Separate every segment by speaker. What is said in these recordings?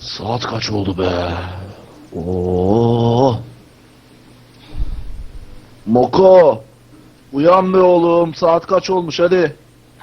Speaker 1: Saat kaç oldu be? Oo. Moko, uyan be oğlum. Saat kaç olmuş hadi.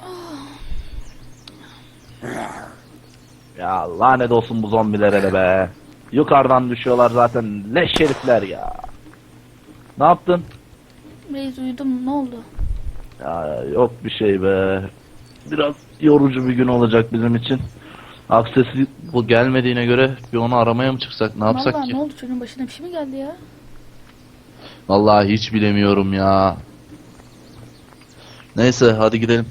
Speaker 1: Ya lanet olsun bu zombilere de be. Yukarıdan düşüyorlar zaten. Leş herifler ya. Ne yaptın?
Speaker 2: Reis uyudum, ne oldu?
Speaker 1: Ya yok bir şey be. Biraz yorucu bir gün olacak bizim için. Aksesi bu gelmediğine göre bir onu aramaya mı çıksak? Ne yapsak
Speaker 2: Vallahi
Speaker 1: ki?
Speaker 2: ne oldu, çocuğun başına bir şey mi geldi ya?
Speaker 1: Vallahi hiç bilemiyorum ya. Neyse hadi gidelim.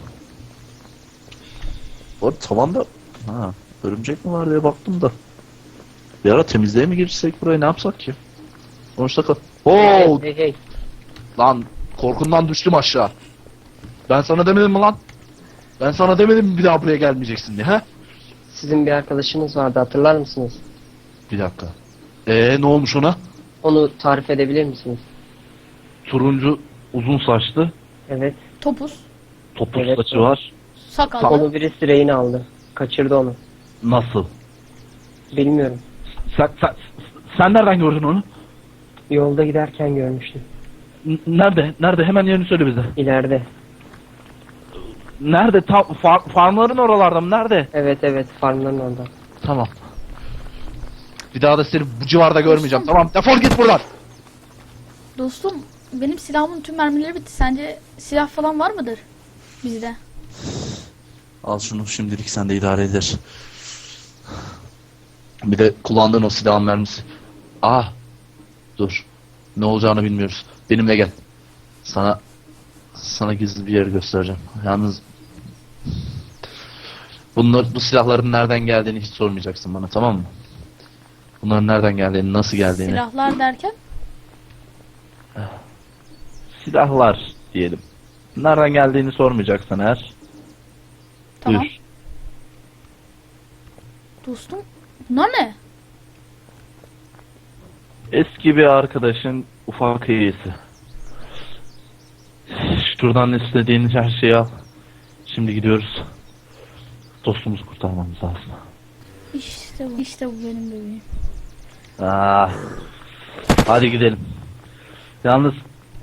Speaker 1: Orada tavanda örümcek mi var diye baktım da. Bir ara temizliğe mi girsek burayı, ne yapsak ki? Sonuçta Oo!
Speaker 3: Hey.
Speaker 1: Lan korkumdan düştüm aşağı. Ben sana demedim mi lan? Ben sana demedim mi bir daha buraya gelmeyeceksin diye, he?
Speaker 3: Sizin bir arkadaşınız vardı, hatırlar mısınız?
Speaker 1: Bir dakika. Ne olmuş ona?
Speaker 3: Onu tarif edebilir misiniz?
Speaker 1: Turuncu, uzun saçlı,
Speaker 3: Evet.
Speaker 2: Topuz,
Speaker 1: topuz
Speaker 3: Evet,
Speaker 1: saçı
Speaker 3: o.
Speaker 1: var.
Speaker 2: sakallı.
Speaker 3: Onu birisi rehin aldı. Kaçırdı onu.
Speaker 1: Nasıl?
Speaker 3: Bilmiyorum.
Speaker 1: Sen nereden gördün onu?
Speaker 3: Yolda giderken görmüştüm.
Speaker 1: Nerede? Nerede? Hemen yerini söyle bize.
Speaker 3: İleride.
Speaker 1: Nerede? Farmların oralarda mı? Nerede?
Speaker 3: Evet, farmların orada.
Speaker 1: Tamam. Bir daha da seni bu civarda görmeyeceğim. Tamam, defol git buradan.
Speaker 2: Dostum, benim silahımın tüm mermileri bitti. Sence silah falan var mıdır bizde?
Speaker 1: Al şunu, şimdilik sen de idare eder. Bir de kullandığın o silahın mermisi. Dur. Ne olacağını bilmiyoruz. Benimle gel. Sana gizli bir yer göstereceğim. Yalnız bu silahların nereden geldiğini hiç sormayacaksın bana, tamam mı? Bunların nereden geldiğini, nasıl geldiğini.
Speaker 2: Silahlar derken?
Speaker 1: Silahlar diyelim. Nereden geldiğini sormayacaksın eğer.
Speaker 2: Tamam.
Speaker 1: Buyur.
Speaker 2: Dostum, bunlar ne?
Speaker 1: Eski bir arkadaşın ufak hediyesi. Şuradan istediğin her şeyi al. Şimdi gidiyoruz. Dostumuzu kurtarmamız lazım.
Speaker 2: İşte bu benim bebeğim.
Speaker 1: Hadi gidelim. Yalnız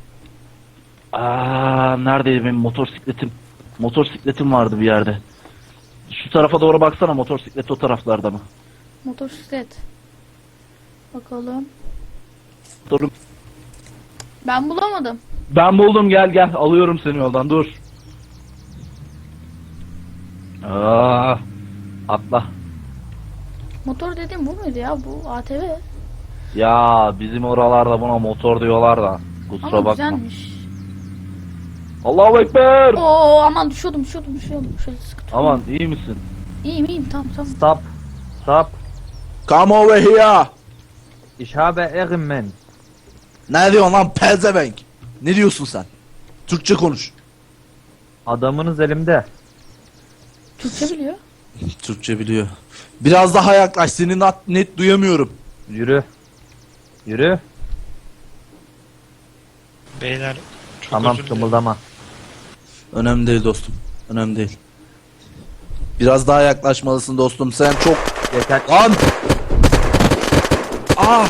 Speaker 1: neredeydi benim motosikletim? Motosikletim vardı bir yerde. Şu tarafa doğru baksana, motosiklet o taraflarda mı?
Speaker 2: Motosiklet. Bakalım.
Speaker 1: Dur.
Speaker 2: Ben bulamadım.
Speaker 1: Ben buldum, gel alıyorum seni yoldan, dur. Atla.
Speaker 2: Motor dediğim bu muydu ya? Bu ATV.
Speaker 1: Ya bizim oralarda buna motor diyorlar da. Kusura
Speaker 2: Ama
Speaker 1: bakma.
Speaker 2: güzelmiş.
Speaker 1: Allahu Ekber.
Speaker 2: Oo, aman düşüyordum. Şöyle sıkı tutayım.
Speaker 1: Aman, iyi misin?
Speaker 2: İyiyim tamam.
Speaker 4: Stop.
Speaker 1: Come over here.
Speaker 4: Ich habe Ehrenmann.
Speaker 1: Ne diyorsun lan pezevenk? Ne diyorsun sen? Türkçe konuş.
Speaker 4: Adamınız elimde.
Speaker 2: Türkçe biliyor.
Speaker 1: Türkçe biliyor. Biraz daha yaklaş, seni net duyamıyorum.
Speaker 4: Yürü.
Speaker 5: Beyler çok
Speaker 4: Tamam,
Speaker 5: özür dilerim.
Speaker 4: kımıldama.
Speaker 1: Önemli değil dostum. Önemli değil. Biraz daha yaklaşmalısın dostum. Sen çok...
Speaker 4: Yeter.
Speaker 1: Lan! Ah!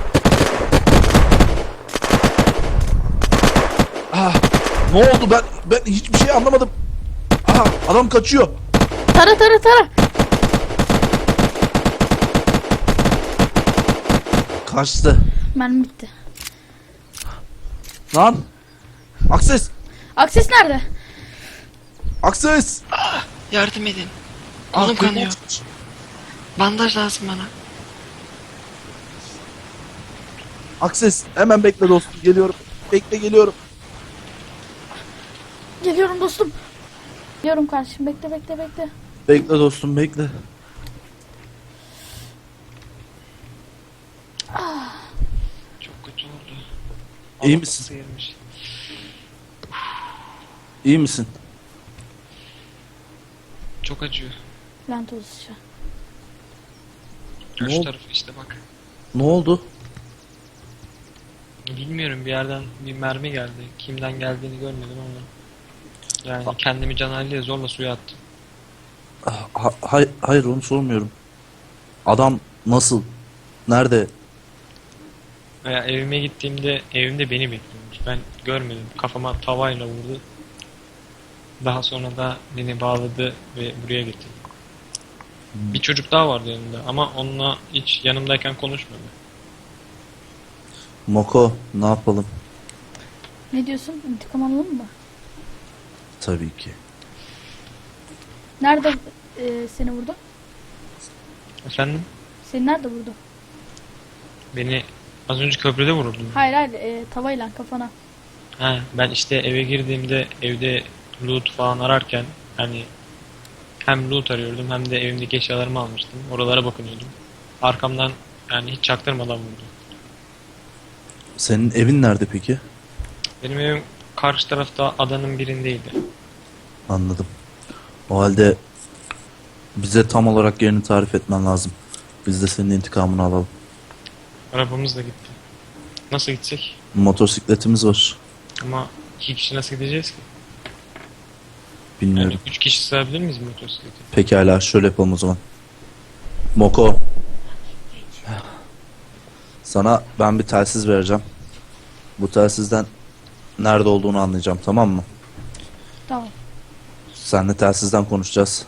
Speaker 1: Ne oldu? Ben hiçbir şey anlamadım. Adam kaçıyor.
Speaker 2: Tara.
Speaker 1: Kaçtı.
Speaker 2: Mermi bitti.
Speaker 1: Lan! Akses!
Speaker 2: Akses nerede?
Speaker 1: Akses!
Speaker 5: Yardım edin. Kolum kanıyor. Bandaj lazım bana.
Speaker 1: Akses! Hemen bekle dostum. Geliyorum. Geliyorum.
Speaker 2: Geliyorum dostum. Geliyorum kardeşim. Bekle.
Speaker 1: Bekle dostum, bekle.
Speaker 5: Çok kötü oldu.
Speaker 1: İyi
Speaker 5: Allah
Speaker 1: misin?
Speaker 5: kokusu gelmiş.
Speaker 1: İyi misin?
Speaker 5: Çok acıyor.
Speaker 2: Lanet olsun.
Speaker 1: Ne
Speaker 5: Şu
Speaker 1: oldu?
Speaker 5: tarafı işte bak.
Speaker 1: Ne oldu?
Speaker 5: Bilmiyorum, bir yerden bir mermi geldi. Kimden geldiğini görmedim ama. Yani kendimi canaliye zorla suya attım.
Speaker 1: Hayır, onu sormuyorum. Adam nasıl? Nerede?
Speaker 5: Evime gittiğimde evimde beni bekliyormuş. Ben görmedim. Kafama tavayla vurdu. Daha sonra da beni bağladı ve buraya getirdi. Bir çocuk daha vardı yanımda ama onunla hiç yanımdayken konuşmadı.
Speaker 1: Moko, ne yapalım?
Speaker 2: Ne diyorsun? İntikam alalım mı?
Speaker 1: Tabii ki.
Speaker 2: Nerede seni vurdu?
Speaker 5: Efendim?
Speaker 2: Seni nerede vurdu?
Speaker 5: Beni az önce köprüde vururdun.
Speaker 2: Hayır hayır, tavayla kafana.
Speaker 5: Ha, ben işte eve girdiğimde evde loot falan ararken hani hem loot arıyordum hem de evimdeki eşyalarımı almıştım. Oralara bakınıyordum. Arkamdan yani hiç çaktırmadan vurdu.
Speaker 1: Senin evin nerede peki?
Speaker 5: Benim evim karşı tarafta adanın birindeydi.
Speaker 1: Anladım. O halde bize tam olarak yerini tarif etmen lazım. Biz de senin intikamını alalım.
Speaker 5: Arabamız da gitti. Nasıl gidecek?
Speaker 1: Motosikletimiz var.
Speaker 5: Ama 2 kişi nasıl gideceğiz ki?
Speaker 1: Bilmiyorum.
Speaker 5: Yani 3 kişi sığabilir miyiz motosiklete?
Speaker 1: Pekala, şöyle yapalım o zaman. Moko. Sana ben bir telsiz vereceğim. Bu telsizden nerede olduğunu anlayacağım, tamam mı?
Speaker 2: Tamam.
Speaker 1: Seninle telsizden konuşacağız.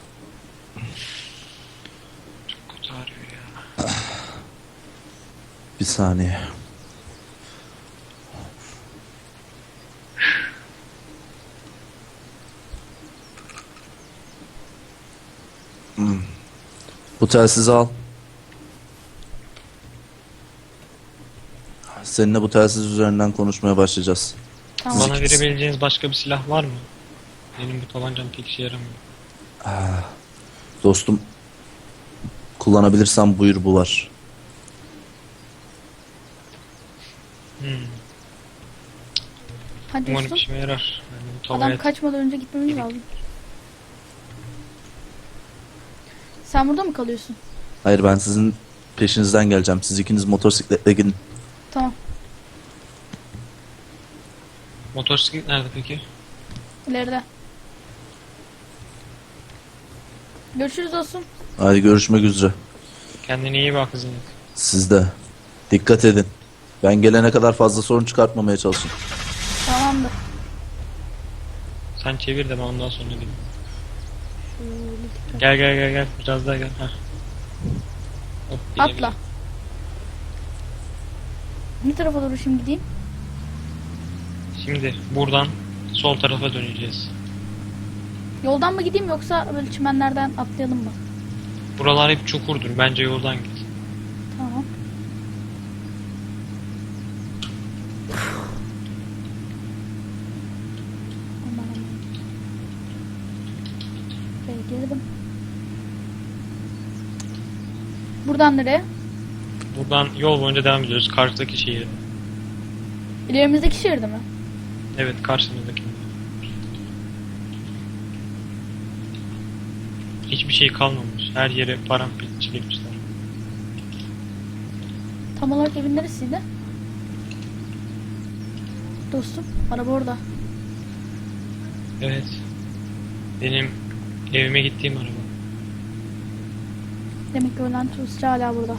Speaker 5: Kötü arıyor ya.
Speaker 1: Bir saniye. Bu telsizi al. Seninle bu telsiz üzerinden konuşmaya başlayacağız.
Speaker 2: Tamam.
Speaker 5: Bana verebileceğiniz başka bir silah var mı? Benim bu tabancam pek işe yaramıyor.
Speaker 1: Dostum, kullanabilirsen buyur, bu var.
Speaker 5: Hmm.
Speaker 2: Hadi
Speaker 5: Umarım
Speaker 2: dostum.
Speaker 5: işime yarar. Yani bu
Speaker 2: Adam
Speaker 5: tavaya
Speaker 2: kaçmadan önce gitmemiz lazım. Sen burada mı kalıyorsun?
Speaker 1: Hayır, ben sizin peşinizden geleceğim. Siz ikiniz motosikletle gidin.
Speaker 2: Tamam.
Speaker 5: Motosiklet nerede peki?
Speaker 2: İleride. Görüşürüz dostum.
Speaker 1: Hadi görüşmek üzere.
Speaker 5: Kendine iyi bak kızım.
Speaker 1: Siz de. Dikkat edin. Ben gelene kadar fazla sorun çıkartmamaya çalışın.
Speaker 2: Tamamdır.
Speaker 5: Sen çevir de ben ondan sonra gideyim.
Speaker 2: Şöyle dikkat.
Speaker 5: Gel. Biraz daha gel. Heh. Hop,
Speaker 2: Atla. Ne tarafa doğru şimdi gideyim?
Speaker 5: Şimdi buradan sol tarafa döneceğiz.
Speaker 2: Yoldan mı gideyim yoksa böyle çimenlerden atlayalım mı?
Speaker 5: Buralar hep çukurdur. Bence yoldan git.
Speaker 2: Tamam. Aman aman. Şöyle girdim. Buradan nereye?
Speaker 5: Buradan yol boyunca devam ediyoruz. Karşıdaki şehir.
Speaker 2: İlerimizdeki şehirde mi?
Speaker 5: Evet, karşımızdaki. Hiçbir şey kalmamış. Her yere paramparça etmişler.
Speaker 2: Tam olarak evin neresiydi? Dostum, araba orada.
Speaker 5: Evet. Benim evime gittiğim araba.
Speaker 2: Demek ki ölen turistçi hala burada.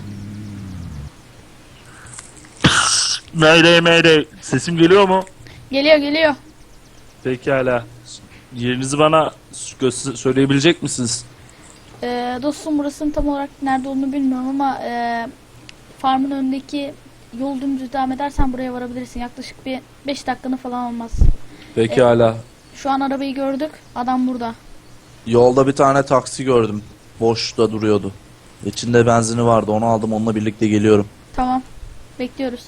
Speaker 1: Mayday. Sesim geliyor mu?
Speaker 2: Geliyor.
Speaker 1: Pekala. Yerinizi bana söyleyebilecek misiniz?
Speaker 2: Dostum, burasının tam olarak nerede olduğunu bilmiyorum ama farmın önündeki yol dümdüz devam edersen buraya varabilirsin. Yaklaşık bir 5 dakikanı falan almaz.
Speaker 1: Pekala.
Speaker 2: Şu an arabayı gördük. Adam burada.
Speaker 1: Yolda bir tane taksi gördüm. Boşta duruyordu. İçinde benzini vardı. Onu aldım. Onunla birlikte geliyorum.
Speaker 2: Tamam. Bekliyoruz.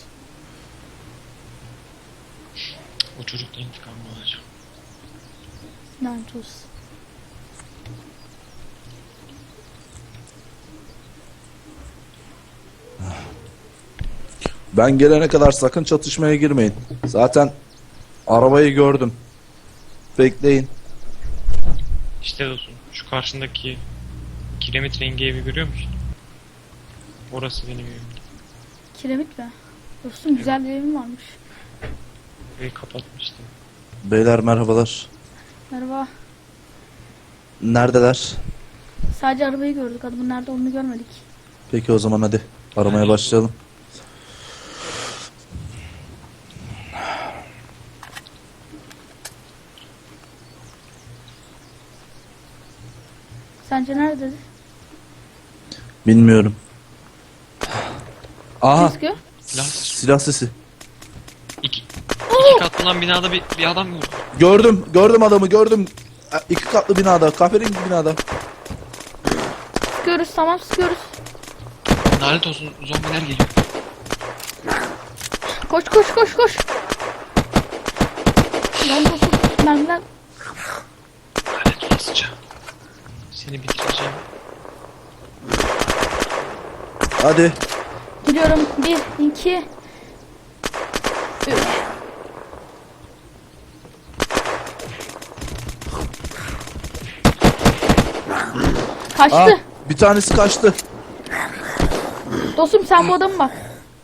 Speaker 5: O çocuktan intikamını alacağım.
Speaker 2: Lanet olsun.
Speaker 1: Ben gelene kadar sakın çatışmaya girmeyin. Zaten arabayı gördüm. Bekleyin.
Speaker 5: İşte dostum, şu karşındaki kiremit rengi evi görüyor musun? Orası benim evim.
Speaker 2: Kiremit mi? Dostum, güzel bir evim varmış.
Speaker 5: Evi kapatmıştım.
Speaker 1: Beyler merhabalar.
Speaker 2: Merhaba.
Speaker 1: Neredeler?
Speaker 2: Sadece arabayı gördük. Adamın nerede olduğunu görmedik.
Speaker 1: Peki o zaman hadi aramaya başlayalım.
Speaker 2: Sence nerededir?
Speaker 1: Bilmiyorum. Aha,
Speaker 2: Sıkıyor.
Speaker 1: silah sesi.
Speaker 5: İki katlı olan binada bir adam gördüm.
Speaker 1: Gördüm adamı gördüm. 2 katlı binada, kahverengi binada.
Speaker 2: Sıkıyoruz, tamam sıkıyoruz.
Speaker 5: Lanet olsun, zombiler geliyor.
Speaker 2: Koş koş koş koş. Lan dostum mermiler.
Speaker 5: Lanet olasıca. Seni bitireceğim.
Speaker 1: Hadi.
Speaker 2: Geliyorum. 1, 2, 3. Kaçtı.
Speaker 1: Aa, bir tanesi kaçtı.
Speaker 2: Dostum sen bu adamı bak.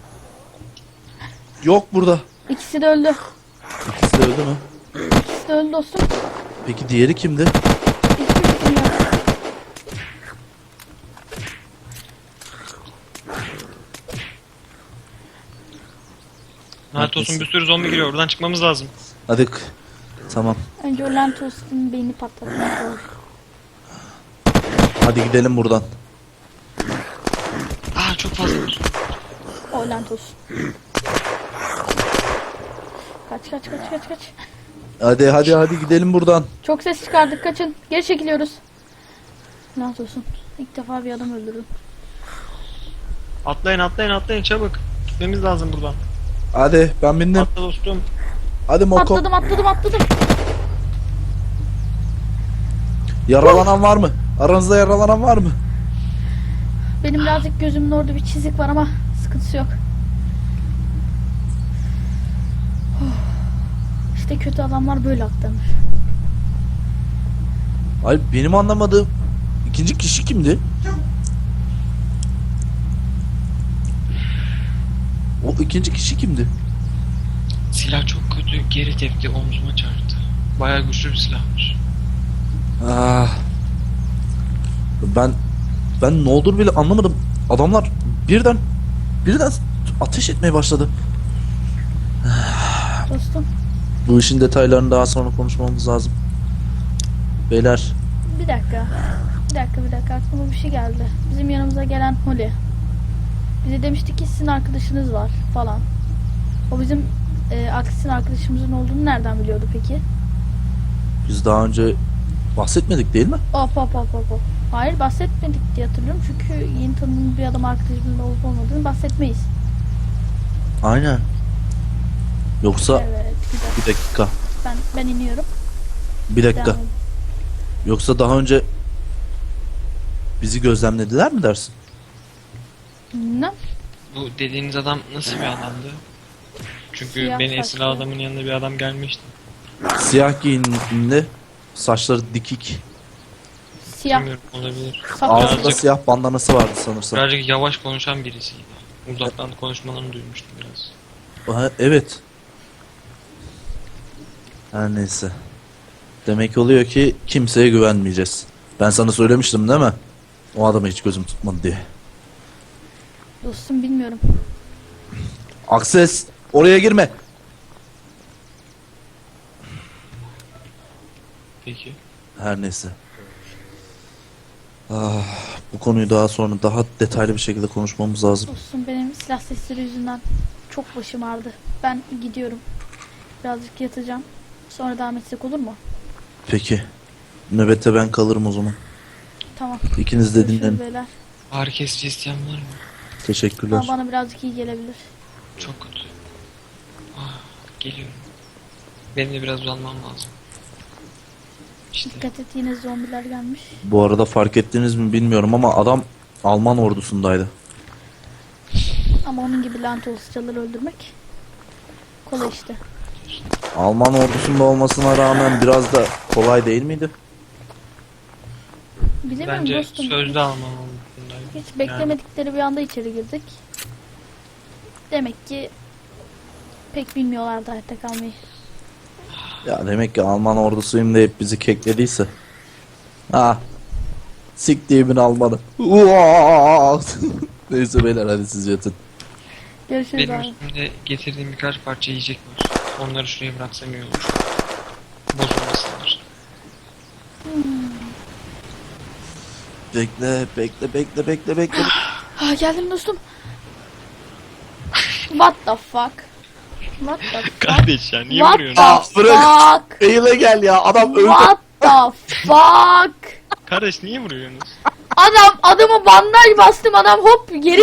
Speaker 1: Yok burada.
Speaker 2: İkisi de öldü.
Speaker 1: İkisi de öldü mü?
Speaker 2: İkisi de öldü dostum.
Speaker 1: Peki diğeri kimdi?
Speaker 2: Hiçbir fikrim yok.
Speaker 5: Lanet olsun, bir sürü zombi geliyor. Buradan çıkmamız lazım.
Speaker 1: Hadi. Tamam.
Speaker 2: Önce o Lantos'un beyni patlatmak lazım.
Speaker 1: Hadi gidelim buradan.
Speaker 5: Aa, çok fazla.
Speaker 2: O Lantos. Kaç kaç kaç kaç kaç.
Speaker 1: Hadi gidelim buradan.
Speaker 2: Çok ses çıkardık, kaçın. Geri çekiliyoruz. Lantos'un. İlk defa bir adam öldürdüm.
Speaker 5: Atlayın çabuk. Gitmemiz lazım buradan.
Speaker 1: Hadi ben bindim.
Speaker 5: Atla dostum.
Speaker 1: Hadi Moko.
Speaker 2: Atladım.
Speaker 1: Yaralanan var mı? Aranızda yaralanan var mı?
Speaker 2: Benim birazcık gözümün orada bir çizik var ama sıkıntısı yok. İşte kötü adamlar böyle aklanır.
Speaker 1: Ay benim anlamadığım ikinci kişi kimdi? O ikinci kişi kimdi?
Speaker 5: Silah çok kötü. Geri tepti, omzuma çarptı. Bayağı güçlü bir silahmış.
Speaker 1: Ah. Ben ne olur bile anlamadım. Adamlar birden ateş etmeye başladı.
Speaker 2: Dostum
Speaker 1: Bu işin detaylarını daha sonra konuşmamız lazım. Beyler,
Speaker 2: bir dakika. Aklıma bir şey geldi. Bizim yanımıza gelen Holly. Bize demişti ki sizin arkadaşınız var falan. O bizim Aksis'in arkadaşımızın olduğunu nereden biliyordu peki?
Speaker 1: biz daha önce bahsetmedik değil mi?
Speaker 2: Hop. Hayır bahsetmedik diye hatırlıyorum. Çünkü yeni tanıdığımız bir adam arkadaşımızın olup olmadığını bahsetmeyiz.
Speaker 1: Aynen. Yoksa
Speaker 2: Evet
Speaker 1: bir dakika.
Speaker 2: ben iniyorum.
Speaker 1: Bir dakika.
Speaker 2: Devam edin.
Speaker 1: Yoksa daha önce bizi gözlemlediler mi dersin?
Speaker 2: Ne?
Speaker 5: Bu dediğiniz adam nasıl bir adamdı? Çünkü
Speaker 2: Siyah
Speaker 5: beni esir
Speaker 2: saçlı.
Speaker 5: adamın yanında bir adam gelmişti.
Speaker 1: Siyah giyinimli, saçları dikik,
Speaker 2: Siyah.
Speaker 5: Bilmiyorum, olabilir.
Speaker 2: Saklı.
Speaker 1: ağzında
Speaker 5: Birazcık-
Speaker 1: siyah bandanası vardı sanırsam.
Speaker 5: Birazcık yavaş konuşan birisiydi. Uzaktan konuşmalarını duymuştum biraz.
Speaker 1: Aha, evet. Her neyse. Demek oluyor ki kimseye güvenmeyeceğiz. Ben sana söylemiştim değil mi? O adamı hiç gözüm tutmadı diye.
Speaker 2: Dostum bilmiyorum.
Speaker 1: Akses, oraya girme.
Speaker 5: Peki.
Speaker 1: Her neyse. Ah, bu konuyu daha sonra daha detaylı bir şekilde konuşmamız lazım.
Speaker 2: Dostum benim silah sesleri yüzünden çok başım ağrıdı. Ben gidiyorum. Birazcık yatacağım. Sonra devam etsek olur mu?
Speaker 1: Peki. Nöbette ben kalırım o zaman.
Speaker 2: Tamam.
Speaker 1: İkiniz de
Speaker 2: Görüşürüz
Speaker 1: dinlenin.
Speaker 2: beyler.
Speaker 5: Ağrı kesici isteyen var mı?
Speaker 1: Teşekkürler.
Speaker 2: Ama bana birazcık iyi gelebilir.
Speaker 5: Çok kötü. Geliyorum. Benim de biraz uzanmam lazım. İşte.
Speaker 2: Dikkat et yine zombiler gelmiş.
Speaker 1: Bu arada fark ettiniz mi bilmiyorum ama adam Alman ordusundaydı.
Speaker 2: Ama onun gibi lanet olasıcaları öldürmek kolay işte.
Speaker 1: Alman ordusunda olmasına rağmen biraz da kolay değil miydi?
Speaker 2: Bilemiyorum
Speaker 5: Bence
Speaker 2: dostum.
Speaker 5: sözlü almam olduklarındaydı.
Speaker 2: Hiç beklemedikleri bir anda içeri girdik. Demek ki pek bilmiyorlardı hayatta kalmayı.
Speaker 1: Ya demek ki Alman ordusuyum deyip bizi keklediyse. Ha, Siktiğimin Almanı. Uaa! Neyse beyler hadi siz yatın.
Speaker 2: Görüşürüz
Speaker 5: Benim
Speaker 2: abi.
Speaker 5: üstümde getirdiğim birkaç parça yiyecek var. Onları şuraya bıraksam iyi olur. Bozulmasınlar.
Speaker 1: Bekle.
Speaker 2: Ah, geldim dostum. What the fuck? What the fuck?
Speaker 5: Kardeş ya niye
Speaker 2: What
Speaker 5: vuruyorsun?
Speaker 2: the
Speaker 1: bırak.
Speaker 2: fuck?
Speaker 1: Eyle gel ya adam öldü.
Speaker 2: What the fuck?
Speaker 5: Kardeş niye vuruyorsunuz?
Speaker 2: Adamı bandaj bastım, adam hop geri